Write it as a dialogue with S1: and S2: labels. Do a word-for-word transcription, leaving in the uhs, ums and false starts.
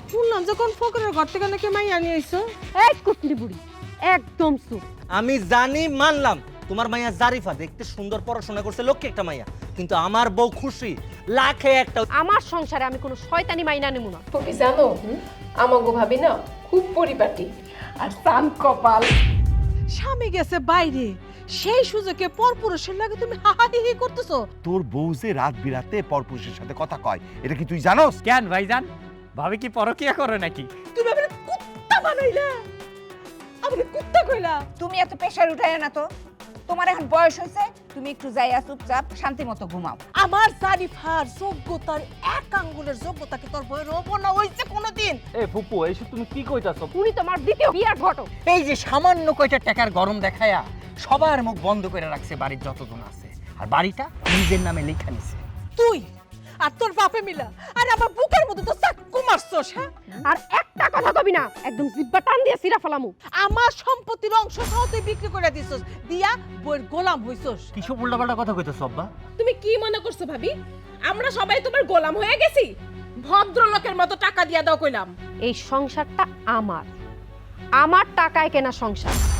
S1: শুনলাম যে কোন ফকরের ঘর থেকে নাকি মাইয়া নিয়ে আইছো।
S2: এই কুটনি বুড়ি একদম চুপ।
S3: আমি জানি মানলাম তোমার মাইয়া জারিফা দেখতে সুন্দর, পড়াশোনা করছে, লক্ষ্যে একটা মাইয়া, কিন্তু আমার বউ খুশি লাখে একটা।
S2: আমার সংসারে আমি কোনো শয়তানি মাইনা নেব না।
S4: তুমি জানো আমাগো ভাবি না খুব পরিপাটি আর চান কপাল।
S1: স্বামী গেছে বাইরে, সেই সুযোগে পরপুরুষের লাগে তুমি হাহাহি করতেছো।
S5: তোর বউ যে রাত বিরাতে পরপুরুষের সাথে কথা কয়, এটা কি তুই জানোস?
S6: কেন ভাইজান, ভাবি কি পরকিয়া করে নাকি?
S1: তুমি আমারে কুত্তা বানাইলা, আমারে কুত্তা কইলা।
S7: তুমি এত প্রেশার উঠায় না তো, তোমার এখন বয়স হয়েছে, তুমি একটু যাইয়া চুপচাপ শান্তি মতো ঘুমাও।
S1: আমার জারিফার যোগ্যতার এক আঙ্গুলের যোগ্যতা কি তোর বইয়ের অবনা হইছে কোনোদিন?
S6: এ ফুপু, এইসব তুমি কি কইতাছো?
S2: উনি তোমার দ্বিতীয় বিয়ার ঘটক।
S6: এই যে সামান্য কয়টা টাকার গরম দেখায়া সবার মুখ বন্ধ করে রাখছে বাড়ির যতজন আছে, আর বাড়িটা নিজের নামে লেখা নিছে।
S1: তুই আর তোর বাপে মিলা আর আমার বুকের মধ্যে তো চাক্কু মারছস। হ্যাঁ,
S2: আর একটা কথা কবি না, একদম জিব্বা টান দিয়ে সিরা ফেলামু।
S1: আমার সম্পত্তির অংশ সহ তুই বিক্রি করে দিছস, দিয়া বইয়ের গোলাম হইছস।
S6: কিছু উল্টাপাল্টা কথা কইতাছো আব্বা?
S4: তুমি কি মনে করছো ভাবি আমরা সবাই তোমার গোলাম হয়ে গেছি? ভদ্রলোকের মতো টাকা দিয়া দাও কইলাম।
S2: এই সংসারটা আমার, আমার টাকায় কেনা সংসার।